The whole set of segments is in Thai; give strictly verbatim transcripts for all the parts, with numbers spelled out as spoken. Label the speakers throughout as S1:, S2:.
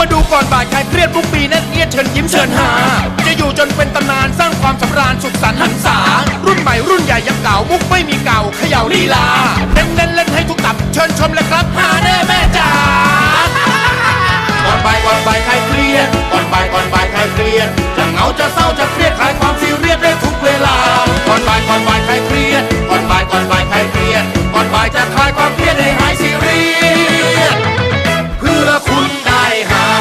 S1: มาดูก่อนบ่ายใครเครียดทุกปีนั่นเอียดเชิญยิ้มเชิญหาจะอยู่จนเป็นตำนานสร้างความสำราญสุขสันต์หันษารุ่นใหม่รุ่นใหญ่ยังเก่ามุกไม่มีเก่าเขย่าลีลาเน้นเน้นเล่นให้ทุกตับเชิญชมเลยครับหาแน่แม่จ๋าก่อนบ่ายก่อนบ่ายใครเครียดก่อนบ่ายก่อนบ่ายใครเครียดจะเหงาจะเศร้าจะเครียดคลายความซีเรียสได้ทุกเวลาก่อนบ่ายก่อนบ่ายใครเครียดก่อนบ่ายก่อนบ่ายใครเครียดก่อนบ่ายจะคลายความเครียดให้หายซีเรียสเพื่อคุณได้หา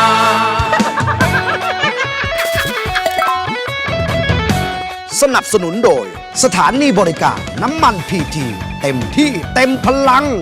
S2: สนับสนุนโดยสถานีบริการน้ำมันพีทีเต็มที่เต็มพลัง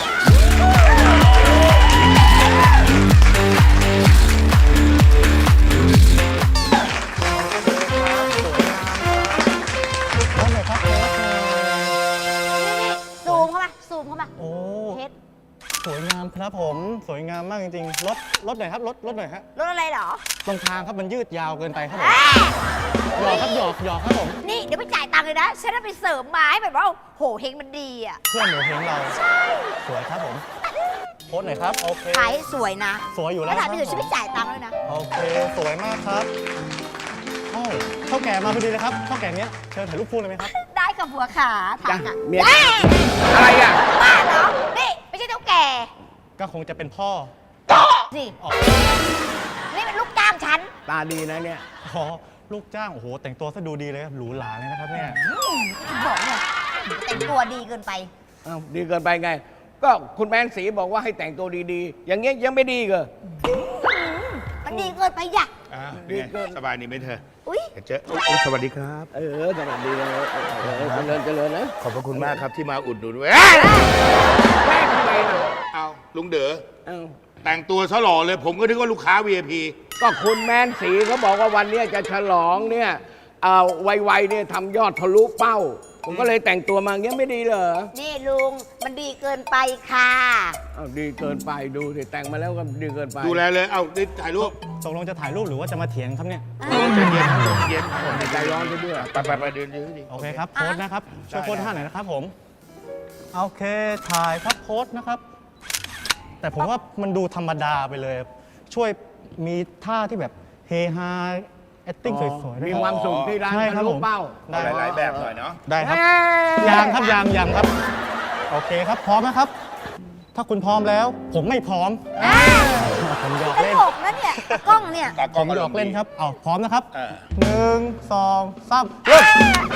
S3: ซูมเข้ามาซูมเข้ามา
S4: โอ้
S3: เพชร
S4: สวยงามครับผมสวยงามมากจริงๆรถรถหน่อยครับรถรถหน่อยฮะ
S3: รถอะไรเหรอ
S4: ตรงทางครับมันยืดยาวเกินไปครับผมหยอกครับหยอกหยอกครับผม
S3: นี่เดี๋ยวไปจ่ายตังค์เลยนะ ฉันจะไปเสริมไม้แบบว่าโหเฮงมันดีอ่ะ
S4: เพื่อนหนูเห็นเราสวยครับผมโพสหน่อยครับโอเค
S3: ขายให้สวยนะ
S4: สวยอยู่แล้
S3: แล้ว ว
S4: ค
S3: ถา
S4: รั
S3: ม
S4: บ
S3: พี่เดี๋ยวฉันไปจ่ายตังค์เลยนะ
S4: โอเคสวยมากครับโอ้เท่าแก่มาพอดีเลยครับเท่าแก่เนี้ยเชิญถ่ายรูปคู่เลยไหมครับ
S3: ได้กับหัวขาถามอ่ะ
S2: เมีย
S3: เอ้ย
S2: อะไรอ่ะ
S3: บ้าเหรอ นี่ไม่ใช่เท่าแก่
S4: ก็คงจะเป็นพ่อ
S3: สิ
S4: อ๋อ
S3: นี่เป็นลูกจ้างฉัน
S2: ตาดีนะเนี่ย
S4: อ๋อลูกจ้างโอ้โหแต่งตัวซะดูดีเลยครับหรูหราเลยนะครับเนี่ย
S3: บอกเนี่ยแต่งตัวดีเกินไป
S5: อ้าวดีเกินไปไง ก็คุณแมนสีบอกว่าให้แต่งตัวดีๆ อย่างเงี้ยยังไม่ดีเหรอ
S3: มันดีเกินไปอย่ะ
S6: อ่าเป็นไงสบายดีไหมเธอ
S3: อุ้ย
S6: เดี๋ยวเจออุ๊ยสวัสดีครับ
S5: เออสวัสดีเลยเออเจริญเจริญนะ
S6: ขอบพระคุณมากครับที่มาอุดหนุนเว้ย
S5: แม่ทำไมล่ะ
S6: เอาลุงเด๋อ
S5: เอ้า
S6: แต่งตัวซะหล่อเลย ผมก็นึกว่าลูกค้า วี ไอ พี
S5: ก็คุณแมนสีเขาบอกว่าวันเนี้ยจะฉลองเนี่ยเอาไวๆเนี่ยทำยอดทะลุเป้า ผมก็เลยแต่งตัวมาอย่างเงี้ยไม่ดีเหรอ
S3: นี่ลุงมันดีเกินไปค่ะ
S5: อ้าวดีเกินไปดูสิแต่งมาแล้วก็ดีเกินไป
S6: ดูแลเลย เอาดิถ่ายรูป
S4: ตกลงจะถ่ายรูปหรือว่าจะมาเถียงครับเนี่ย
S6: ใจเย็นครับใจเย็น
S5: ใจร้อนไปด้วย
S6: ไปไปไปเดินเดินดิ
S4: โอเคครับโพสต์นะครับช่วยโพสต์ท่าหน่อยนะครับผมโอเคถ่ายครับโพสต์นะครับ แต่ผมว่ามันดูธรรมดาไปเลย ช่วยมีท่าที่แบบเฮฮา acting สวยๆด้วย
S5: มี
S4: รับ
S5: ความสุขที่ร้าน
S4: ใช่ค
S5: ทะ
S4: รับ
S5: ลุ
S4: ผม
S5: เป้า
S4: ได้
S6: หลายๆแบบหน่อยเนาะ
S4: ได้ครับ
S5: เอ้ย
S4: ยังครับยังยังครับ โอเคครับพร้อมนะครับ ถ้าคุณพร้อมแล้ว ผมไม่พร้อมผมหยอก
S3: ต
S4: เล่น
S3: ลกนะเนี่ยกล้องเนี่ย
S6: ตาก
S4: ผ
S6: ล้อง
S4: ม
S6: ก็
S4: หยอกเล่นครับเอาพร้อมนะครับ
S6: อ่า
S4: หนึ่งสองสามเริ่ม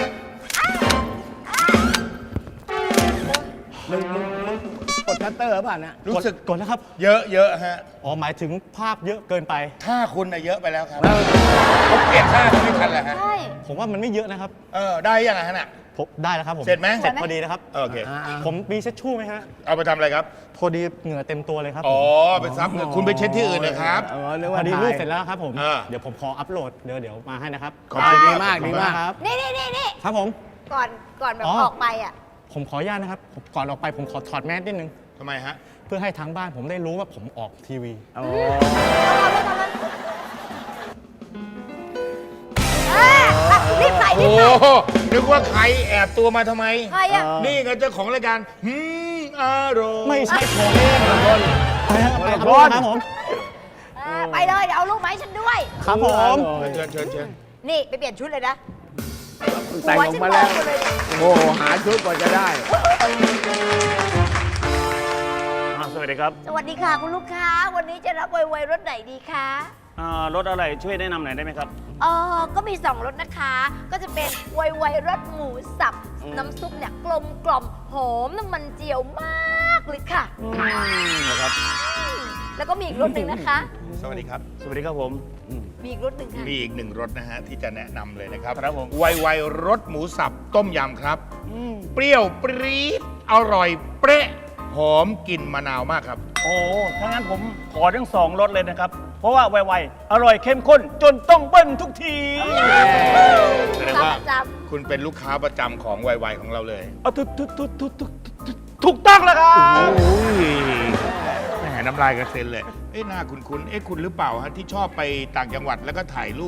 S5: มึงมึงมึงกดชัตเตอร์ป่ะนะ
S6: รู้สึก
S4: กดนะครับ
S6: เยอะเยอะฮะ
S4: อ๋อหมายถึงภาพเยอะเกินไป
S6: ท่าคุณน่ะเยอะไปแล้วครับเขาเปลี่ยนท่าเขาไม่ทันแหละฮะ
S3: ใช่
S4: ผมว่ามันไม่เยอะนะครับ
S6: เออ ได้ยังไงฮะน่ะ
S4: ผมได้แล้วครับผม
S6: เสร็จไหม
S4: เสร็จพอดีนะครับ
S6: โอเค
S5: อ่า
S4: ผมมีเช็ดชู่ไหมฮะ
S6: เอาไปทำอะไรครับ
S4: พอดีเหงื่อเต็มตัวเลยครับ
S6: อ๋อ ไปซับเงินคุณไปเช็ดที่อื่นนะครับ
S5: เออเรียก
S4: พ
S5: ว่า
S4: อดี
S5: ถ่าย
S4: รูปเสร็จแล้วครับผม
S6: อ่า
S4: เดี๋ยวผมขออัพโหลด เดี๋ยวเดี๋ยวมาให้นะครับ
S6: ขอบคุณ
S5: ดีมากดีมาก
S4: ครับ
S3: นี่นี่นี่นี่
S4: ครับผม
S3: ก่อนก่อนแบบ
S4: อ๋อ
S3: ออกไปอ่ะ
S4: ผมขออนุญาตนะครับผมก่อนออกไปผมขอถอดแมสนิดนึง
S6: ทำไมฮะ
S4: เพื่อให้ทางบ้านผมได้รู้ว่าผมออกทีวี
S5: อ๋อ
S3: เอออ่ะรีบใส่รี
S6: โอ้
S3: บใส่
S6: โหนึกว่าใครแอบตัวมาทำไม
S3: ใครอ่ะ
S6: นี่ไงเจ้าของรายการหืมอร่อย
S4: ไม่ใช่ผมเองไปครับไปอัพโหลดครับผม
S3: เออไปเลยเดี๋ยวเอาลูกมาให้ฉันด้วย
S4: ครับผม
S6: เชิญเชิญเชิญ
S3: นี่ไปเปลี่ยนชุดเลยนะ
S5: แต่งออกมาแล้ว
S3: หัฉันโตหดเลยเนี่ย
S5: โอ้โหหาชุดกว่าจะได้
S7: สวัสดีครับ
S3: สวัสดีค่ะคุณลูกค้า วันนี้จะรับไวๆรถไหนดีคะ
S7: อ่ารถอะไรช่วยแนะนำหน่อยได้ไหมครับ
S3: เออก็มีสองรสนะคะ ก็จะเป็นไวๆรสหมูสับ น้ำซุปเนี่ยกลมกล่อมหอมน้ำมันเจียวมากเลยค่ะ
S7: นะครับ
S3: แล้วก็มีอีกรสหนึ่งนะคะ
S6: สวัสดีครับ
S7: สวัสดีครับผม
S3: มีอีกรสหนึ่งค่ะ
S6: มีอีกหนึ่งรสนะฮะ ที่จะแนะนำเลยนะครับ
S7: ครับผม
S6: ไวไวรสหมูสับต้มยำครับ เปรี้ยวปรี๊ดอร่อยเปรี้ยหอมกลิ่นมะนาวมากครับ
S7: โอ้ถ้างั้นผมขอทั้งสองรสเลยนะครับ เพราะว่าไวๆอร่อยเข้มข้น จนต้องเบิ้ลทุกที
S6: แสดงว่า
S3: จ
S6: คุณเป็นลูกค้าประจำของไวไวของเราเลย
S7: เอาทุกทุกทุกทุกทุกถูกต้องแล้วครับ
S6: โอ้ยแหมน้ำลายกระเซ็นเลย เอ๊ะหน้าคุณคุณเอ๊ะคุณหรือเปล่าฮะที่ชอบไปต่างจังหวัดแล้วก็ถ่ายรูป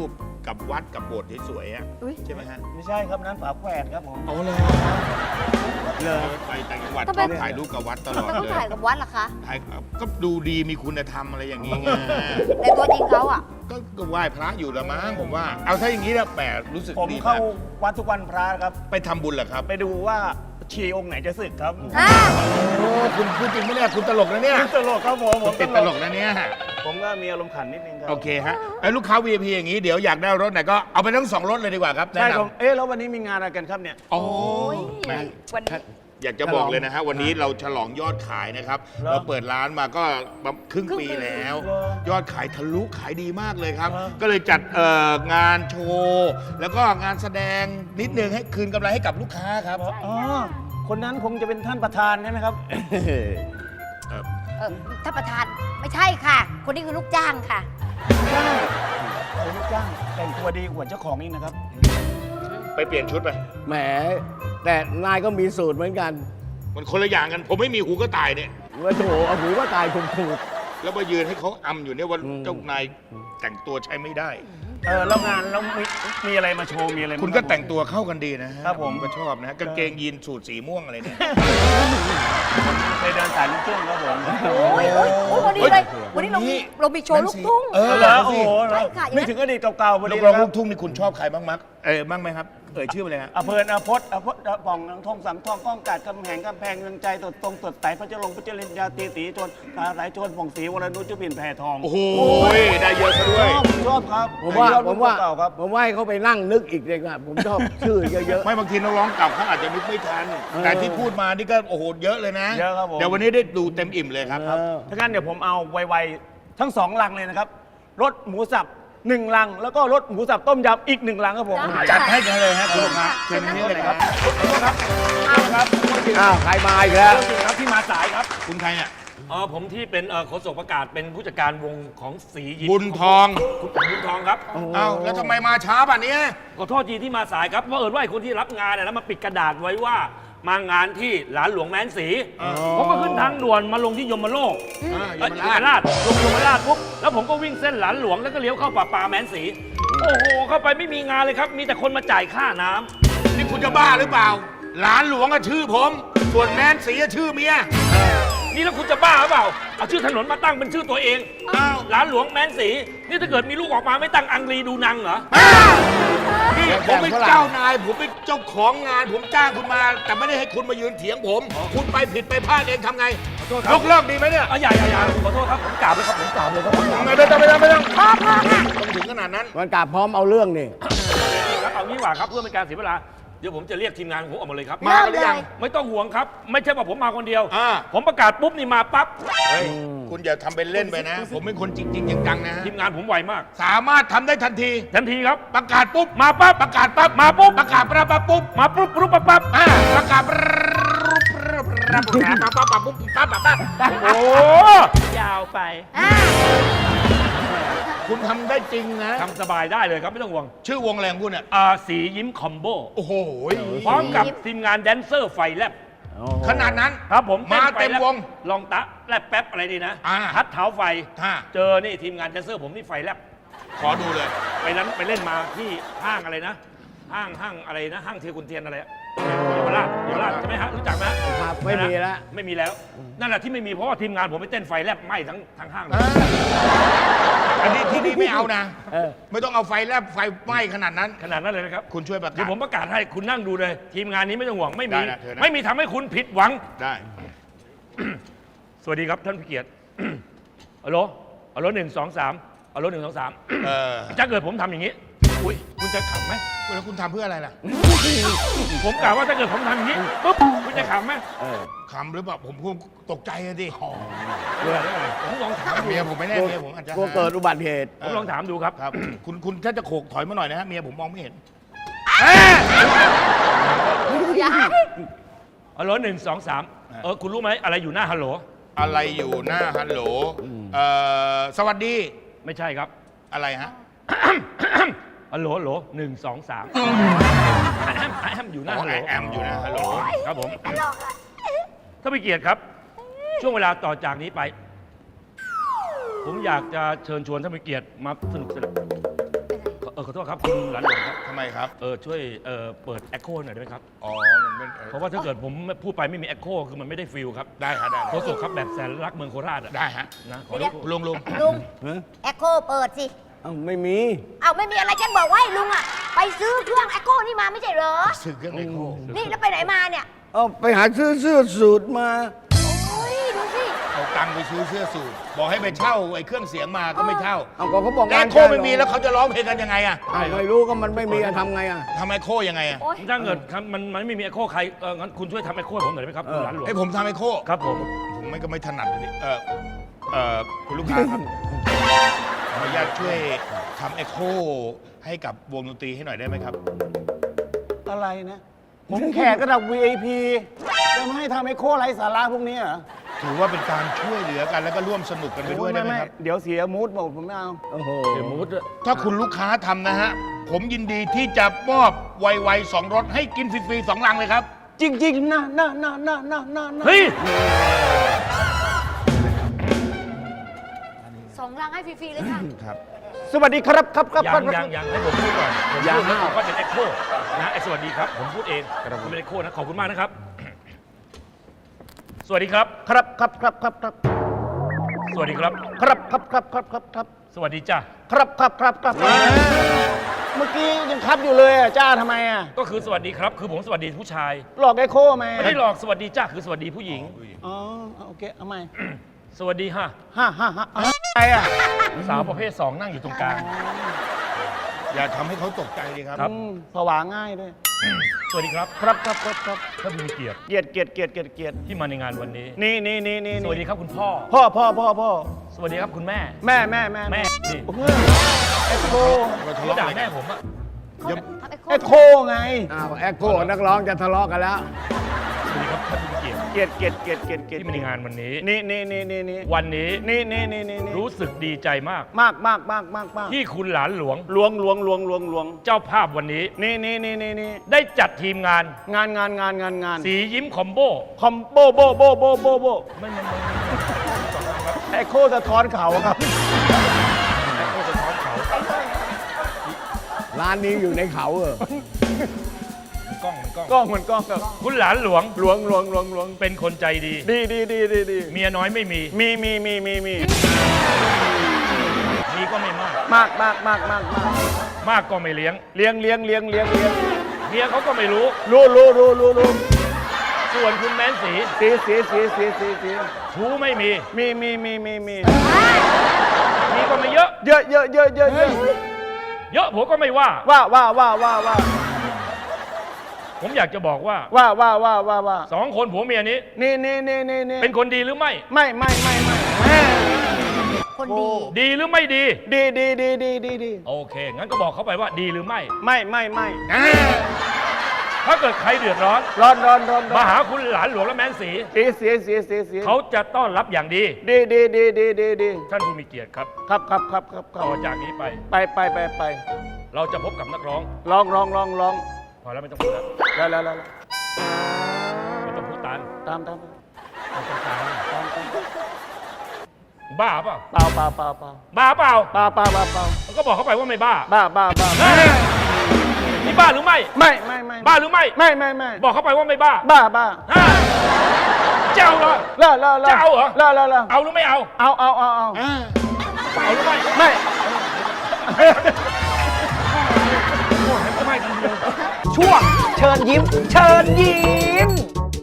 S6: กับวัดกับโบสถ์สวยๆอะ
S3: อุ๊ย
S6: ใช่ไหมฮะ
S7: ไม่ใช่ครับนั้นฝาแฝดครับผม
S6: โอ้เลยเลยไปต่างจังหวัด
S3: ทำไม
S6: ชอบถ่ายรูปกับวัดตลอด
S3: แล้วก็
S6: เลย
S3: ถ่ายกับวัดเหรอคะ
S6: ถ่ายก็ดูดีมีคุณธรรมอะไรอย่างนี้ไง
S3: ในตัวจริงเขาอ่ะ
S6: ก็ก็ไหว้พระอยู่ละมั้งผมว่า เอาถ้าอย่างนี้นะแหมรู้สึก
S7: ผม
S6: ดี
S7: เข้าม
S6: าก
S7: วัดทุกวันพระครับ
S6: ไปทำบุญเหรอครับ
S7: ไปดูว่าชีองค์ไหนจะสึกครับ
S3: อ่า
S6: โอ้คุณพูดจริงไหมเนี่ยคุณตลกนะเนี่ย
S7: ตลกครับผมผม
S6: ติดตลกนะเนี่ย
S7: ผมก็มีอารมณ์ขันนิดนึงครั
S6: โอเคฮะไอ้ลูกค้า วี ไอ พี อย่างนี้เดี๋ยวอยากได้รถไหนก็เอาไปทั้งสองรถเลยดีกว่าครับแนะ
S7: ใช่
S6: น
S7: ครับเอ๊ะแล้ววันนี้มีงานอะไรกันครับเนี่ย
S6: ำโอ้
S3: โอ้ย
S6: แหม
S3: วันนี้
S6: อยากจะบอกเลยนะฮะวันนี้เราฉลองยอดขายนะครับ
S7: เหรอ
S6: เราเปิดร้านมาก็ครึ่ง
S3: ครึ่ง
S6: ปี
S3: ปี
S6: แล้ว
S7: เหรอ
S6: ยอดขายทะลุขายดีมากเลยครับ
S7: เหรอ
S6: ก็เลยจัดเอ่องานโชว์แล้วก็งานแสดงนิดนึงให้คืนกำไรให้กับลูกค้าครับ
S7: อ๋อคนนั้นคงจะเป็นท่านประธานใช่ไหมครับ
S3: เออท่านประธานไม่ใช่ค่ะ คนนี้คือลูกจ้างค่ะ
S7: จ้างโอ้ลูกจ้างแต่งตัวดีกว่าเจ้าของอีกนะครับ
S6: ไปเปลี่ยนชุดไป
S5: แหม แต่นายก็มีสูตรเหมือนกัน
S6: มันคนละอย่างกัน ผมไม่มีหูก็ตายเนี่ย
S5: ว่าโถเอาหูก็ตายถูกถูก
S6: แล้วมายืนให้เขาอำอยู่เนี่ยว่า
S5: อืม
S6: เจ้านายแต่งตัวใช้ไม่ได้
S7: เออแล้วงานแล้วมีมีอะไรมาโชว์มีอะไรมา
S6: คุณก็แต่งตัวเข้ากันดีนะฮะ
S7: ครับผม
S6: ก็ชอบนะกางเกงยีนสูทสีม่วงอะไรเนี่ย
S7: ไปเดินสายลูกทุ่งครับผม
S3: โอ้ยโอ้ยโอ้ยพอดีเลย วันนี้เรามีเรามีโชว์ลูกทุ่ง
S6: เออ
S7: เหรอ
S6: เอา
S7: โอ้
S6: สิ
S7: โห
S3: ใช่ค่ะอย่างนั้น
S7: ไม่ถึงอดีตเก่าๆพอ
S6: นั
S7: ดี
S6: กร้อง
S7: ค
S6: ลู
S7: รับ
S6: กทุ่งนี่คุณชอบใครบ้างมักเออบ้างไหมครับเอ่ยชื่อไปเลยฮะ
S7: อเพลินอพจน์อพจน์อป่องนังทองสังทองก้องกาดกำแหงกำแพงเมืองใจตดตรงตดไตพระเจ้าลงพระเจ้าลินยาตีสีชนตาไหลชนผ่องศรีวรนุชจุบินแผ่ทอง
S6: โอ้โหได้เยอะซะด้วย
S7: ชอบชอบครับ
S5: ผมว่า
S7: ชอบ
S5: ผมว่า
S7: เก่าครับ
S5: ผมว่าให้เขาไปนั่งนึกอีกเลยครับผมชอบชื่อเยอะ
S6: ไม่บางทีนักร้องเก่าเขาอาจจะนึกไม่ทัน แต่ที่พูดมานี่ก็โอ้โหเยอะเลยนะ
S7: เยอะครับผม
S6: เดี๋ยววันนี้ได้ดูเต็มอิ่มเลยครับ
S5: ๆเออ
S7: ถ้างั้นเดี๋ยวผมเอาไวๆทั้งสองลังเลยนะครับรสหมูสับหนึ่งลัง แล้วก็รสหมูสับต้มยำอีกหนึ่งลังครับผม
S3: ได้
S6: จัดให้กันเลยฮะคุณลูกค้าเชิญนี่เลยครับ
S7: ครับครับ
S5: อ้าวใครมาอีกแล้ว
S7: จริงครับที่มาสายครับ
S6: คุณใครเนี่ย
S8: อ๋อผมที่เป็นเอ่อโฆษกประกาศเป็นผู้จัดการวงของสียิ้ม
S6: บุญทอง
S8: คุณบุญทองครับ
S6: เอ้าแล้วทำไมมาช้าป่ะเนี้ย
S8: ขอโทษทีที่มาสายครับเพราะเอิญว่าไอ้คนที่รับงานเนี่ยแล้วมาปิดกระดาษไว้ว่ามางานที่หลานหลวงแม้นศรีผมก็ขึ้นทางด่วนมาลงที่ยมโลก
S6: อ่า
S8: เอ้ย
S6: ย
S8: ย
S6: ม
S8: ม
S6: ราช
S8: ราชลงยมราชปุ๊บแล้วผมก็วิ่งเส้นหลานหลวงแล้วก็เลี้ยวเข้าป่าปาแม้นศรีโอ้โหเข้าไปไม่มีงานเลยครับ มีแต่คนมาจ่ายค่าน้ำ
S6: นี่คุณจะบ้าหรือเปล่า หลานหลวงอะชื่อผม ส่วนแมนสีอะชื่อเมีย
S8: นี่แล้วคุณจะบ้าหรือเปล่าเอาชื่อถนนมาตั้งเป็นชื่อตัวเอง
S6: อ้าว
S8: หลานหลวงแม้นศรีนี่ถ้าเกิดมีลูกออกมาไม่ตั้งอังรีดูนังเหรอ
S6: นี่ผมเป็นเจ้านาย ผมเป็นเจ้าของงาน ผมจ้างคุณมา แต่ไม่ได้ให้คุณมายืนเถียงผม คุณไปผิดไปพลาดเองทำไงยกเลิกดีไหมเนี่ย
S8: อ่ะอย่าอย่าอย่าขอโทษครับผมกราบเลยครับผมกราบเลยครับผมกราบ
S6: ไม่ต้องไม่ต้องไม่ต้องพอพอค่ะต้องถึงขนาดนั้น
S5: มันกลับพร้อมเอาเรื่องนี่
S8: ครับเอางี้ดีกว่าครับเพื่อเป็นการเสียเวลาเดี๋ยวผมจะเรียกทีมงานของผมออกมาเลยครับ
S6: มาหรือยัง
S8: ไม่ต้องห่วงครับ ไม่ใช่ว่าผมมาคนเดียว
S6: อ่า
S8: ผมประกาศปุ๊บนี่มาปั๊บ
S6: เฮ้ย คุณอย่าทำเป็นเล่นไปนะ ผมเป็นคนจริงๆจังๆนะ
S8: ทีมงานผมไวมาก
S6: สามารถทำได้ทันที
S8: ทันทีครับ
S6: ประกาศปุ๊บ
S8: มาปั๊บ
S6: ประกาศปั๊บ
S8: มาปุ๊บ
S6: ประกาศปั๊บปั๊บปุ๊บ
S8: มาปุ๊บปุ๊บปั๊บปั๊บ
S6: อ่าประกาศปั๊บปั๊บปั๊บปั๊บปั๊บปั๊บปั๊บปั๊บปั๊บปั๊บ
S8: โอ้ยาวไป
S3: อ่า
S6: คุณทำได้จริงนะ
S8: ทำสบายได้เลยครับไม่ต้องห่วง
S6: ชื่อวงแรงคุณอ่ะ
S8: อ่าสียิ้มคอมโบ
S6: โอ้โห
S8: พร้อมกับทีมงานแดนเซอร์ไฟแลบ
S6: ขนาดนั้น
S8: ครับผม
S6: มา
S8: ต้นไฟ
S6: เต็ม
S8: แลบ
S6: วง
S8: ลองตะแลบแป๊บอะไรดีนะ
S6: อ่า
S8: ทัดเท้าไฟ
S6: อ่า
S8: เจอนี่ทีมงานแดนเซอร์ผมนี่ไฟแลบ
S6: ขอดูเลย
S8: ไปนั้นไปเล่นมาที่ห้างอะไรนะ ห้างห้างอะไรนะ ห้างเทียกุนเทียนอะไรอะเยาวราชเยาวราชใช่ไหมฮะรู้จักไหม
S5: ครับไม่มีแล้ว
S8: ไม่มีแล้ว นั่นแหละที่ไม่มีเพราะว่าทีมงานผมไปเต้นไฟแลบไหม้ทั้งทั้งห้างเลย
S6: อันนี้ที่นี่ไม่เอานะ
S5: เออ
S6: ไม่ต้องเอาไฟแลบไฟไหม้ขนาดนั้น
S8: ขนาดนั้นเลยนะครับ
S6: คุณช่วยประกา
S8: เดี๋ย
S6: ศ
S8: วผมประกาศให้คุณนั่งดูเลย ทีมงานนี้ไม่ต้องห่วงไม่มี
S6: ได้นะเชิญนะ
S8: ไม่มีทำให้คุณผิดหวัง
S6: ได้
S8: สวัสดีครับท่านผู้เกียรติ ฮัลโหลฮัลโหลหนึ่งสองสามฮัลโหลหนึ่งสองสาม
S6: เออ
S8: ถ้าเกิดผมทำอย่างนี้อุ้ยคุณจะขำไหม
S6: แล้วคุณทำเพื่ออะไรล่ะ
S8: ผมกล่าวว่าถ้าเกิดผมทำอย่างนี้ปุ๊บคุณจะขำไหม
S5: เออ
S6: คำหรือเปล่าผมคงตกใจอะดิ
S8: ผมลองถามดู
S6: เมียผมไม่แน่เมียผมอาจจะ
S5: กลัวเกิดอุบัติเหตุ
S8: ผมลองถามดูครับ
S6: ครับ คุณคุณถ้าจะโขกถอยมาหน่อยนะฮะเมียผมมองไม่เห็น
S3: อย่า
S8: ฮัลโหลหนึ่งสองสามเออคุณรู้ไหมอะไรอยู่หน้าฮัลโหล
S6: อะไรอยู่หน้าฮัลโหลเอ่อสวัสดี
S8: ไม่ใช่ครับ
S6: อะไรฮะ
S8: ฮัลโหลฮัลโหลหนึ่งสองสามแอมแอมอยู่หน้า
S6: อ๋อ
S8: ฮัลโหล
S6: แอมอยู่นะฮัลโหล
S8: ครับผมถ้าไม่เกียรติครับ ช่วงเวลาต่อจากนี้ไป ผมอยากจะเชิญชวนท่านผู้เกียรติมาสนุกสนานเออขอโทษครับคุณหลานหลวงครับ
S6: ทำไมครับ
S8: เออช่วยเออเปิด Echo หน่อยได้ไหมครับ
S6: อ๋อ มันเป็นเอ่อ
S8: เพราะว่าถ้าเกิดผมพูดไปไม่มี Echo คือมันไม่ได้ฟิลครับ
S6: ได้ฮะได้
S8: โคศกครับแบบแสนรักเมืองโคราชอะ
S6: ได้ฮะ
S8: นะขอ
S3: เดี๋
S8: ร
S3: ยว
S8: บกวน
S6: ลุงลุง
S3: ลุง
S7: ฮะ
S3: แอคโคเปิดสิ
S7: เอ้าไม่มี
S3: เอาไม่มีอะไรฉันบอกว่าให้ลุงอ่ะ ไปซื้อเครื่องแอคโคนี่มาไม่ใช่เหรอ
S6: ซื้อเครื่องไอโค
S3: นี่แล้วไปไหนมาเนี่ย
S7: เอาไปหาซื้อเสื้อสูทมา
S3: โอ้ยดูสิ
S6: เอาตังค์ไปซื้อเสื้อสูทบอกให้ไปเช่าไอ้เครื่องเสียงมาก็ไม่เช่า
S7: เอาก็เขาบอก
S6: แล้วไอโคไม่มีแล้วเขาจะร้องเพลงกันยังไงอะ
S7: อ้าวไม่รู้ก็มันไม่มีอะทำไงอะ
S6: ทำไอโคยังไงอะ
S3: โอ้ย
S8: ถ้าเกิดครับมันมันไม่มี Echo ใครเอองั้นคุณช่วยทำ Echo ให้ผมหน่อยได้ไหมครับคุณหลานหลวง
S6: ให้ผมทำไอโค
S8: ครับผม
S6: ผมไม่ก็ไม่ถนัดเลยดิเออเออคุณลูกค้าครับ ขออนุญาตช่วยทำเอ็กโคให้กับวงดนตรีให้หน่อยได้ไหมครับ
S7: อะไรนะ ผมแขกระดับ วี ไอ พี จะมาให้ทำไอโคไร้สาระพวกนี้เหรอ
S6: ถือว่าเป็นการช่วยเหลือกันแล้วก็ร่วมสนุกกันไปด้วยได้ไหมครับ
S7: เดี๋ยวเสียมูดหมดผมไม่เอา โอ้โห
S8: เดี๋ยวมูดด้วย
S6: ถ้าคุณลูกค้าทำนะฮะ ผมยินดีที่จะมอบไวๆสองรถให้กินฟรีๆสองลังเลยครับ
S7: จริงๆนะนะนะนะนะนะนะ
S8: เฮ้ย
S3: สองรังให้ฟรีๆเลยค่ะ
S6: ครับ
S7: สวัสดีครับครับครับ
S8: ยั
S7: ครั
S8: ง
S7: บ
S8: ยังยังให้ผมพูดก่อนผม
S7: ยัง
S8: พูดแล้วผมก็เป็น Echo นะไอ้สวัสดีครับ ผมพูดเองผมเป็น Echo นะขอบคุณมากนะครับ สวัสดีครับ
S7: ครับครับครับครับครับ
S8: สวัสดีครับ
S7: ครับครับครับครับครับครับ
S8: สวัสดีจ้า
S7: ครับครับครับครับเมื่อกี้ยังครับอยู่เลยอ่ะจ้าทำไมอ่ะ
S8: ก็คือสวัสดีครับ คือผมสวัสดีผู้ชาย
S7: หลอกไอโคไหม
S8: ไม่ได้หลอกสวัสดีจ้าคือสวัสดีผู้หญิง
S7: อ๋อโอเคเอาใหม่
S8: สวัสดีฮะ
S7: ฮ่าฮ่าฮ่าอะไรอ่ะ
S8: สาวประเภทสองนั่งอยู่ตรงกลาง
S6: อย่าทำให้เขาตกใจดีครับ
S8: ครับ
S7: อืมผวาง่ายด้วย
S8: สวัสดีครับ
S7: ครับครับครับครับ
S8: ท่านผู้มีเกียรติ
S7: เกียรติเกียรติเกียรติเกียรติเกียรติ
S8: ที่มาในงานวันนี้
S7: นี่นี่นี่นี่
S8: สวัสดีครับคุณพ่อ
S7: พ่อพ่อพ่อพ่อ
S8: สวัสดีครับคุณแม่
S7: แม่แม่แม่
S8: แม่ดิ
S7: โอ้โหไอโค
S6: เราทะ
S8: เขา
S6: เลาะ
S8: ด่า
S6: อะไร
S8: แม่
S6: กัน
S8: ผมอะ
S3: เขาทำแอคโค
S7: ไอโคไง
S5: อ้าวแอคโคนักร้องจะทะเลาะกันแล้ว
S8: สวัสดีครับท่านผู้มีเกียรติ
S7: เกียรติเกียรติเกียรติเกียรติเกียรติ
S8: ที่มาในงานวันนี้
S7: นี่นี่นี่นี่นี่
S8: วันนี้
S7: นี่นี่นี่นี่นี่
S8: รู้สึกดีใจมาก
S7: มากมากมากมากมาก
S8: ที่คุณหลานหลวง
S7: ลวงลวงลวงลวงลวง
S8: เจ้าภาพวันนี้
S7: นี่นี่นี่นี่นี่
S8: ได้จัดทีมงาน
S7: งานงานงานงานงาน
S8: สียิ้มคอมโบ
S7: คอมโบโบโบโบโบโบ
S8: ไม่ไม่ไม่
S7: ไอโคสะท้อนเขาครับ
S8: ไม่โคตรสะท้อนเขา
S5: ร้านนี้อยู่ในเขาเออ
S8: มันกล้องมันกล้อง
S7: กล้องเหมือนกล้องครับ
S8: คุณหลานหลวง
S7: หลวงหลวงหลวงหลวง
S8: เป็นคนใจดี
S7: ดีดีดีดีดี
S8: เมียน้อยไม่มี
S7: มีมีมีมีมี
S8: มีก็ไม่มาก
S7: มากมากมากมากมาก
S8: มากก็ไม่เลี้ยง
S7: เลี้ยงเลี้ยงเลี้ยงเลี้ยงเลี้ยง
S8: เมียเขาก็ไม่รู้
S7: รู้รู้รู้รู้รู้
S8: ส่วนคุณแม้นสี
S7: สีสีสีสีสีสี
S8: ชู้ไม่มี
S7: มีมีมีมีมี
S8: มีก็ไม่เยอะ
S7: เยอะเยอะเยอะเยอะเยอะ
S8: เยอะผมก็ไม่ว่า
S7: ว่าว่าว่าว่าว่า
S8: ผมอยากจะบอกว่า
S7: ว่าว่าว่าว่าว่า
S8: สองคนผัวเมียนี้
S7: นี่นี่นี่นี่นี่
S8: เป็นคนดีหรือไม่
S7: ไม่ไม่ไม่ไม่แม่
S3: คนดี
S8: ดีหรือไม่ดี
S7: ดีดีดีดีดีดี
S8: โอเค งั้นก็บอกเขาไปว่าดีหรือไม่
S7: ไม่ไม่ไม่
S8: ถ้าเกิดใครเดือดร้อน
S7: ร้อนร้อนร้อนร้อน
S8: มาหาคุณหลานหลวงและแม้นสี
S7: สีสีสีสีสี
S8: เขาจะต้อนรับอย่างดี
S7: ดีดีดีดีดีดี
S8: ท่านผู้มีเกียรติครับ
S7: ครับครับครับครับครั
S8: ต่อบ จากนี้ไป
S7: ไปไปไปไป
S8: เราจะพบกับนักร้อง
S7: ลองลองลองลอง
S8: พอแล้วไม่ต้องพูดแล้ว
S7: แล้วแล้วแล้ว
S8: ไม่ต้องพูดตาม
S7: ตามตาม
S8: ไม่ต้องตาม
S7: ตามตาม
S8: บ้าเปล่า
S7: เปล่าเปล่าเปล่าเปล่า
S8: บ้าเปล่า
S7: เปล่าเปล่าเปล่าเปล่า
S8: มันก็บอกเขาไปว่าไม่บ้า
S7: บ้าบ้าบ้า
S8: เฮ้ยนี่บ้าหรือไม่
S7: ไม่ไม่ไม่
S8: บ้าหรือไม่
S7: ไม่ไม่ไม่
S8: บอกเขาไปว่าไม่บ้า
S7: บ้าบ้า
S8: ฮะเจ้าเหรอ
S7: เลิกเลิกเลิก
S8: จะเอาเหรอ
S7: เลิกเลิกเลิก
S8: เอาหรือไม่เอา
S7: เอาเอาเอาเอา
S8: เอาหรือไม่
S7: ไม่
S8: ก็ไม่ทันที
S2: ช่วงเชิญยิ้ม เชิญยิ้ม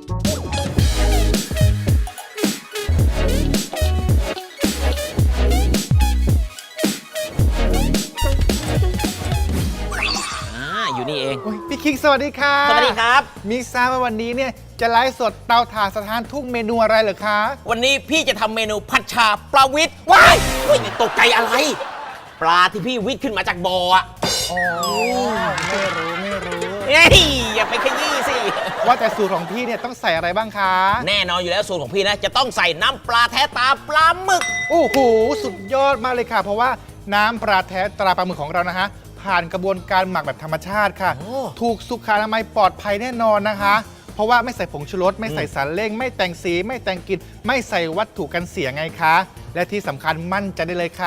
S9: อ่าอยู่นี่เอง
S10: โอ้ยพี่คิงสวัสดีค่ะ
S9: สวัสดีครับ
S10: มิกทราบว่าวันนี้เนี่ยจะไลฟ์สดเตาถ่านสถานทุ่งเมนูอะไรเหรอคะ
S9: วันนี้พี่จะทำเมนูผัดชาปลาวิทย์ว้ายเฮ้ยตกใจอะไร ปลาที่พี่วิทย์ขึ้นมาจากบ่ออะ
S10: อ๋อ ไม่รู้ไม่รู้
S9: เฮ้ยอย่าไปขยี้สิ
S10: ว่าแต่สูตรของพี่เนี่ยต้องใส่อะไรบ้างคะ
S9: แน่นอนอยู่แล้วสูตรของพี่นะ จะต้องใส่น้ำปลาแท้ตาปลาหมึก
S10: โอ้โห สุดยอดมากเลยค่ะ เพราะว่าน้ำปลาแท้ตราปลาหมึกของเรานะคะ ผ่านกระบวนการหมักแบบธรรมชาติค่ะ
S9: โอ้
S10: ถูกสุขอนามัยปลอดภัยแน่นอนนะคะ เพราะว่าไม่ใส่ผงชูรสไม่ใส่สารเร่ง ไม่แต่งสี ไม่แต่งกลิ่นไม่ใส่วัตถุกันเสียไงคะ และที่สำคัญมั่นใจได้เลยค่ะ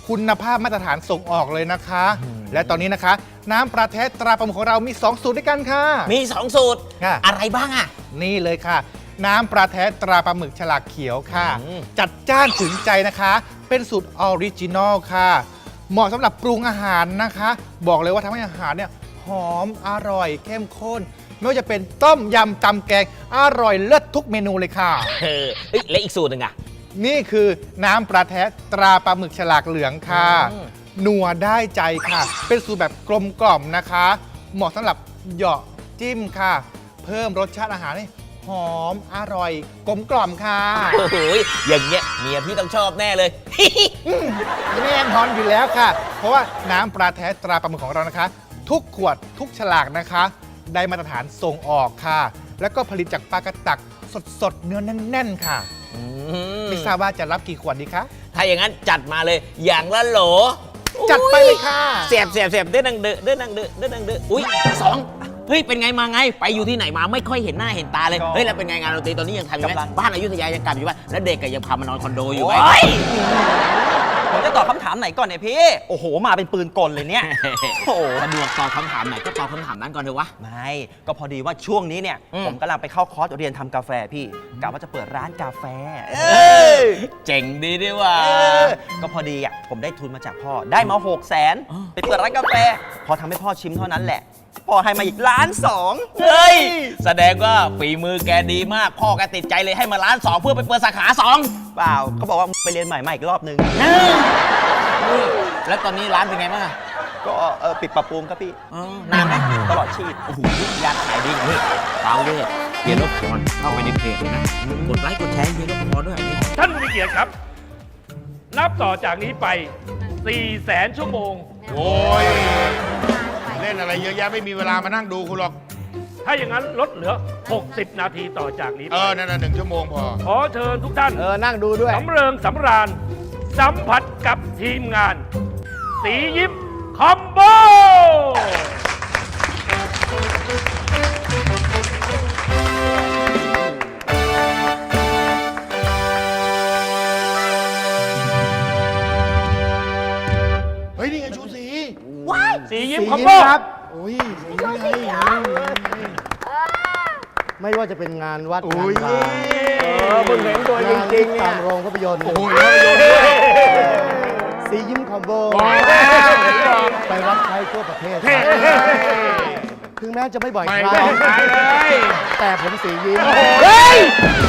S10: คุณภาพมาตรฐานส่งออกเลยนะคะ และตอนนี้นะคะ น้ำปลาแท้ตราปลาหมึกของเรามี สอง สูตรด้วยกันค่ะ
S9: มีสองสูตร
S10: ค่ะ
S9: อะไรบ้างอ่ะ
S10: นี่เลยค่ะ น้ำปลาแท้ตราปลาหมึกฉลากเขียวค่ะ
S9: อืม
S10: จัดจ้านถึงใจนะคะ เป็นสูตรออริจินอลค่ะ เหมาะสำหรับปรุงอาหารนะคะ บอกเลยว่าทำให้อาหารเนี่ยหอมอร่อยเข้มข้น ไม่ว่าจะเป็นต้มยำตำแกงอร่อยเลิศทุกเมนูเลยค่ะ
S9: เออเอ้ยและอีกสูตรหนึ่งอ่ะ
S10: นี่คือน้ำปลาแท้ตราปลาหมึกฉลากเหลืองค่ะ
S9: อืม
S10: นัวได้ใจค่ะ เป็นสูตรแบบกลมกล่อมนะคะ เหมาะสำหรับเหยาะจิ้มค่ะ เพิ่มรสชาติอาหารให้หอมอร่อยกลมกล่อมค่ะ
S9: โอ้โหอย่างเงี้ยเมียพี่ต้องชอบแน่เลย
S10: แน่นอนอยู่แล้วค่ะ เพราะว่าน้ำปลาแท้ตราปลาหมึกของเรานะคะ ทุกขวดทุกฉลากนะคะ ได้มาตรฐานส่งออกค่ะ แล้วก็ผลิตจากปลากระตักสดๆ เนื้อแน่นๆ ค่ะ
S9: อืม
S10: ไม่ทราบว่าจะรับกี่ขวดดีคะ
S9: ถ้าอย่างนั้นจัดมาเลยอย่างละโหล
S10: จัดไปเลยค่ะ
S9: เสียบเสียบเสียบเด้อนังเด้อเด้อนังเด้อเด้อนังเด้ออุ้ยสองเฮ้ยเป็นไงมาไงไปอยู่ที่ไหนมาไม่ค่อยเห็นหน้าเห็นตาเลย
S7: ก็
S9: เฮ้ยแล้วเป็นไงงานดนตรีตอนนี้ยังทำอยู่ไหม
S7: กำลัง
S9: บ้านอยุธยายังกลับอยู่ป่ะแล้วเด็กก็ยังพามานอนคอนโดอยู่ไหม
S11: ผมจะตอบคำถามไหนก่อนเนี่ยพี่ โอ้โห มาเป็นปืนกลเลยเนี่ย โอ้โห
S9: สะดวกตอบคำถามไหนก็ตอบคำถามนั้นก่อนเถอะวะ
S11: ไม่ ก็พอดีว่าช่วงนี้เนี่ย
S9: อืม
S11: ผมกำลังไปเข้าคอร์สเรียนทำกาแฟพี่กะว่าจะเปิดร้านกาแฟ เออ
S9: เจ๋งดีดีว่ะ
S11: เออก็พอดีอ่ะผมได้ทุนมาจากพ่อ ได้มาหกแสน
S9: อ๋อ
S11: ไปเปิดร้านกาแฟ พอทำให้พ่อชิมเท่านั้นแหละ พ่อให้มาอีกล้านสอง
S9: เฮ้ยแสดงว่าฝีมือแกดีมากพ่อแกติดใจเลยให้มาร้านสองเพื่อไปเปิดสาขาสอง
S11: เปล่าเขาบอกว่าไปเรียนใหม่มาอีกรอบนึง
S9: แล้วตอนนี้ร้านเป็นไงบ้างอะ
S11: ก็เออปิดปรับปรุงครับพี่
S9: อ๋อนานไหม
S11: ตลอดชีพ
S9: โอ้โหยาขายดีนี่เปล่าเลยเฮียรบกวนเข้าไปในเพจเลยนะ กดไลค์กดแชร์เฮียรบกวนด้วยอันนี้
S8: ท่านผู้มีเกียรติครับ นับต่อจากนี้ไป สี่แสนชั่วโมง
S6: โอ้ย เล่นอะไรเยอะแยะไม่มีเวลามานั่งดูคุณหรอก
S8: ถ้าอย่างนั้นลดเหลือ หกสิบ นาทีต่อจากนี้
S6: เอ
S8: ไป
S6: อ นั่นน่ะหนึ่งชั่วโมงพอ
S8: ขอเชิญทุกท่าน
S5: เออ นั่งดูด้วย
S8: สำเริงสำราญ สัมผัสกับทีมงาน สียิ้มคอมโบ
S6: เฮ้ย นี่ไงชูสี
S8: สียิ้มคอมโบ
S6: โอ้ย
S7: ไม่ว่าจะเป็นงานวัด
S6: โอ้
S7: งาน
S6: ย
S7: บาร์
S5: เออมึงเห็นตัวจริงๆเนี่ย
S7: ตามโรงภาพยนตร์
S6: โอ้ยแล้วโยนด้วย
S7: สียิ้มคอมโบ
S6: โอ้ย
S7: ไปรับใช้ทั่วประเทศ ถึงแม้จะไม่บ่อย
S6: ไม่
S7: ครั้
S6: ได้
S7: ง
S6: ขายเลย
S7: แต่ผมสียิ้ม
S5: เฮ้ย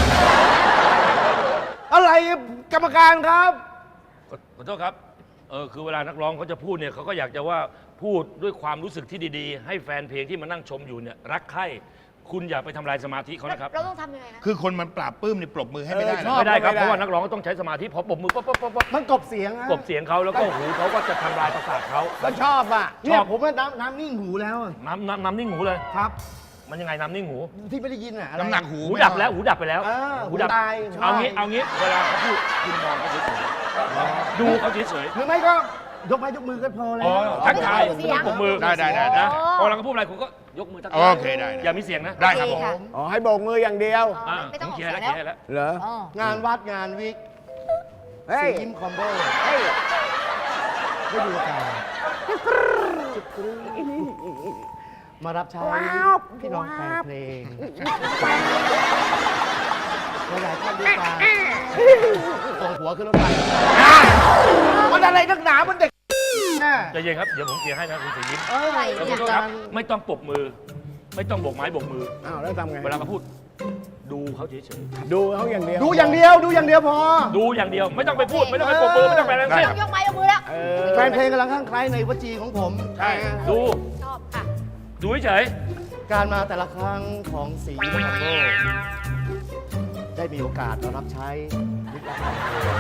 S5: อะไรกรรมการครับ
S8: ขอโทษครับ เออคือเวลานักร้องเขาจะพูดเนี่ยเขาก็อยากจะว่าพูดด้วยความรู้สึกที่ดีๆ ให้แฟนเพลงที่มานั่งชมอยู่เนี่ยรักใคร่คุณอย่าไปทำลายสมาธิเขานะครับ
S3: เราต้องทำยังไงคะ
S6: คือคนมันปราบปลื้มนี่ปรบมือให้ไม่ได้
S5: เออ
S6: นะ
S5: ชอบ
S8: ไม่ได้ครับ
S5: ไม่ได้
S8: เพราะว่านักร้องก็ต้องใช้สมาธิพอปรบมือปั๊บปั๊บปั๊บปั๊บ
S7: มันกบเสียงอะ
S8: กบเสียงเขาแล้วก็หูเขาก็จะทำลายประสาทเขา
S5: ก็ชอบอ่ะ
S7: เนี่ยผมว่าน้ำน้ำนิ่งหูแล้วอะ
S8: น้ำน้ำน้ำนิ่งหูเลย
S7: ครับ
S8: มันยังไงน้ำนิ่งหู
S7: ที่ไม่ได้ยินอะอะไร
S6: น้ำหนักหู
S8: หูดับแล้วหูดับไปแล้ว
S7: เออ
S8: หูดับ
S7: หูตายใช่
S8: เอางี้เอางี้เวลาเขาพูดคุณมองเขาเฉยๆดูเขาเฉย
S7: หรือไม่ก็ยกไม้ยกมือก็พอ
S8: ๆ
S7: แล้
S8: อ๋อ
S7: ว
S8: ทักทาย
S3: เสียง
S8: ปรบมือ
S6: ได้ได้ได้
S8: นะพอเราเขาพูดอะไรคุณก็ยกมือทักทาย
S6: โอเคได้ได้
S8: อย่ามีเสียงนะ
S6: ได้ครับผม
S3: ค่ะ
S5: อ๋อ ให้โบกมืออย่างเดียว
S8: อ่า
S3: ไม่ต้องออก
S8: เคลีย
S3: เสี
S8: ร์
S3: ย
S8: แล้ว
S3: ง
S8: เค
S3: แล้ว
S8: ลียร์แล้ว
S5: เหรอ
S3: อ๋อ
S7: งานวัดงานวิก
S5: เฮ้ย
S7: สียิ้มคอมโบ
S5: เฮ้ย
S7: ได้ดูกันมารับใช้พี่น้องแฟนเพลงหลายๆท่านด้วยกันส่งหัวขึ้นรถไฟ
S5: มันอะไรนักหนา มันเด็กน่ะ
S8: ใจเย็นครับ เดี๋ยวผมเคลียร์ให้นะคุณสียิ้ม
S7: เออ
S8: ขอ
S7: เนี่ย
S8: โทษครับ ไม่ต้องปรบมือ ไม่ต้องโบกไม้โบกมือ
S5: อ้าว แล้วทำไง
S8: เวลาเขาพูด ดูเขาเฉย
S5: ดูเขาอย่างเดียว
S7: ดูอย่างเดียวดูอย่างเดียวพอ
S8: ๆดูอย่างเดียว ไม่ต้องไปพูด ไม่ต้องไปปรบมือ ไม่ต้องไปอะไรทั้งสิ้น
S3: ยกไม้ยกมือแล้ว
S5: เออ
S7: แฟนเพลงกำลังข้างใครในวจีของผม
S8: ใช่ ดู
S3: ชอบค่ะ
S8: ดูเฉย
S7: การมาแต่ละครั้งของสียิ้มคอมโบได้มีโอกาสมารับใช้มิตรภาพ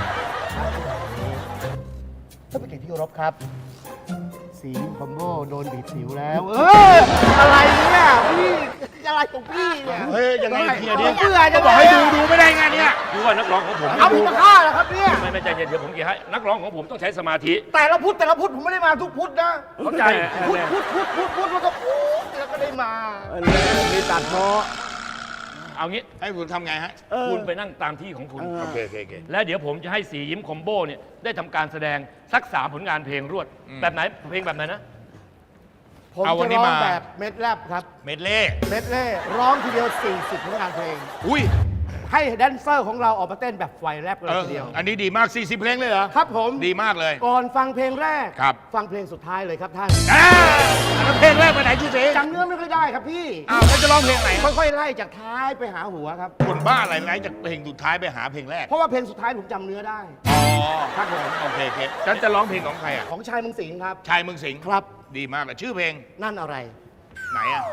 S7: ท่านผู้เกียรติที่เคารพครับ สียิ้มคอมโบโดนบีบสิวแล้ว เอออะไรเนี่ยพี่อะไรของพี่เนี่ย
S6: เฮ้ย ยังไงเคลียร์ดิ
S7: เบื่อจะ
S6: บอกให้ดูดูไม่ได้ไงเนี่ย
S8: ๆดูว่านักร้องของผม
S7: เอาพี่มาฆ่าเหรอครับเนี่ย
S8: ไม่ไม่ใจเย็นเดี๋ยวผมเคลียร์ให้ นักร้องของผมต้องใช้สมาธิ
S7: แต่ละพุทธแต่ละพุทธผมไม่ได้มาทุกพุทธนะ
S8: เข้าใจ
S7: พุทธพุทธพุทธพุทธพุทธแล้วก็พุทธแล้วก็ได้มา
S5: เออมีตัดเพาะ
S8: เอางี้
S6: ให้ผมทำไงฮะ
S8: คุณไปนั่งตามที่ของคุณ
S6: โอเคโอเคโอเค
S8: แล้วเดี๋ยวผมจะให้สียิ้มคอมโบเนี่ยได้ทำการแสดงสักสามผลงานเพลงรวด แบบไหนเพลงแบบไหนนะ
S12: ผม
S6: เอาวัน
S12: จะ
S6: นี้
S12: ร้อง
S6: มา
S12: แบบเม็ดแรปครับ
S6: เมดเล่
S12: เม็ดเล่ร้องทีเดียว สี่สิบผลงานเพลง
S6: อุ้ย
S12: ให้แดนเซอร์ของเราออกมาเต้นแบบไฟแรปกันเลย
S6: เออ
S12: ทีเดียว
S6: อันนี้ดีมาก สี่สิบ เพลงเลยเหรอ
S12: ครับผม
S6: ดีมากเลย
S12: ก่อนฟังเพลงแรก
S6: ครับ
S12: ฟังเพลงสุดท้ายเลยครับท่าน
S6: อ่าแล้วเพลงแรกไปไหนชูศรี
S12: จำเนื้อไม่ค่อยได้ครับพี่
S6: อ้าวแล้วจะร้องเพลงไหน
S12: ค่อยๆไล่จากท้ายไปหาหัวครับ
S6: คนบ้าอะไรไล่จากเพลงสุดท้ายไปหาเพลงแรก
S12: เพราะว่าเพลงสุดท้ายผมจำเนื้อได้
S6: อ๋อ
S12: ครับผม
S6: โอเคโอเคฉันจะร้องเพลงของใครอ่ะ
S12: ของชายเมืองสิงห์ครับ
S6: ชายเมืองสิงห์
S12: ครับ
S6: ดีมากเลยชื่อเพลง
S12: นั่นอะไร
S6: ไหนอ่ะ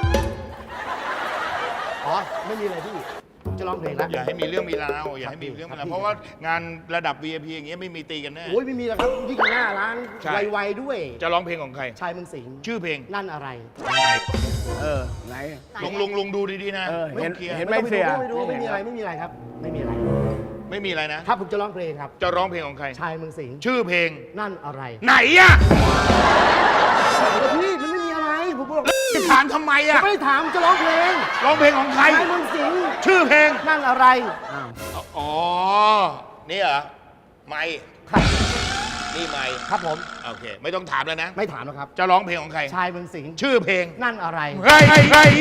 S12: อ๋อ ไม่มีอะไรพี่ ผมจะร้องเพลงแล้ว
S6: อย่าให้มีเรื่องมีราวอย่าให้มีเรื่องมีราวเพราะว่างานระดับ วี ไอ พี อย่างเงี้ยไม่มีตีกันแน่
S12: โอ้ยไม่มีแล้วครับยิ่งหน้าร้าน
S6: ใช่
S12: ไวๆด้วย
S6: จะร้องเพลงของใคร
S12: ชายเมืองสิงห์
S6: ชื่อเพลง
S12: นั่นอะไร
S5: เออ ไหน
S6: ลุงลุงลุงดูดีๆนะ
S5: เออเห็น
S6: ลุงคลียร์
S5: เห็นไหมเสีย
S12: ไม่ดูไม่มีอะไรไม่มีอะไรครับ ไม่มีอะไร
S6: ไม่มีอะไรนะ
S12: ครับผมจะร้องเพลงครับ
S6: จะร้องเพลงของใคร
S12: ชายเมืองสิงห์
S6: ชื่อเพลง
S12: นั่นอะไร
S6: ไหนอ่ะ
S12: พี่มันไม่มีอะไรผมบอก
S6: จะถามทำไมอ่ะ
S12: ไม่ได้ถามจะร้องเพลง
S6: ร้องเพลงของใคร
S12: ชายเมืองสิงห์
S6: ชื่อเพลง
S12: นั่นอะไร
S6: อ๋อ นี่เหรอ ไม่
S12: ครับ
S6: นี่ไม่
S12: ครับผม
S6: โอเค ไม่ต้องถามแล้วนะ
S12: ไม่ถามแล้วครับ
S6: จะร้องเพลงของใคร
S12: ชายเมืองสิงห์
S6: ชื่อเพลง
S12: นั่นอะไร
S6: เฮ้ยเฮ้ย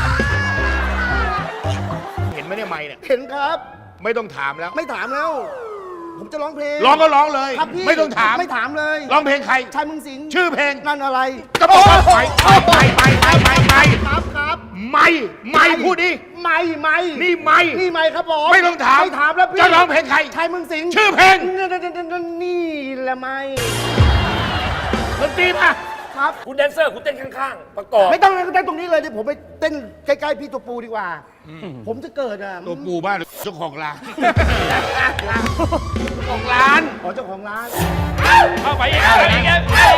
S6: เห็นไหมเนี่ยไม่เนี่ย
S12: เห็นครับ
S6: ไม่ต้องถามแล้ว
S12: ไม่ถามแล้ว ผมจะร้องเพลง
S6: ร้องก็ร้องเลย
S12: ครับพี่
S6: ไม่ต้องถาม
S12: ไม่ถามเลย
S6: ร้องเพลงใคร
S12: ชายเมืองสิงห์
S6: ชื่อเพลง
S12: นั่นอะไร
S6: ก็บอกว่าไปไปไปไปไปไป
S12: ครับครับ
S6: ไม่ไม่พูดดิ
S12: ไม่ไม่
S6: นี่ไม่
S12: นี่ไม่ครับผม
S6: ไม่ต้องถาม
S12: ไม่ถามแล้วพี่
S6: จะร้องเพลงใคร
S12: ชายเมืองสิงห์
S6: ชื่อเพลง
S12: นี่นี่แหละไม่
S6: ดนตรีป่ะ
S12: ครับ
S8: คุณแดนเซอร์คุณเต้นข้างๆ ประกอบ
S12: ไม่ต้องเต้นตรงนี้เลยเดี๋ยวผมไปเต้นใกล้ๆพี่ตัวปูดีกว่า ผมจะเกิดอ่ะ
S6: ตัวปูบ้านหรือเจ้าของร้าน ของร้าน
S12: อ๋อเจ้าของร้าน
S8: เข้าไปอีกเข้าไปอีกเอ้ย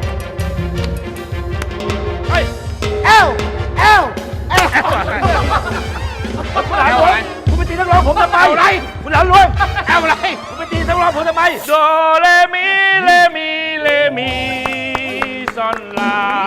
S8: เฮ้ย
S12: เอลเอลเอล
S8: คุณหลานหลวงคุณไปตีนักร้องผมทำไมอะไรคุณหลานหลวงเอาอะไรคุณไปตีนักร้องผมทำไมโดเรมีเรมีเรมีซอนลา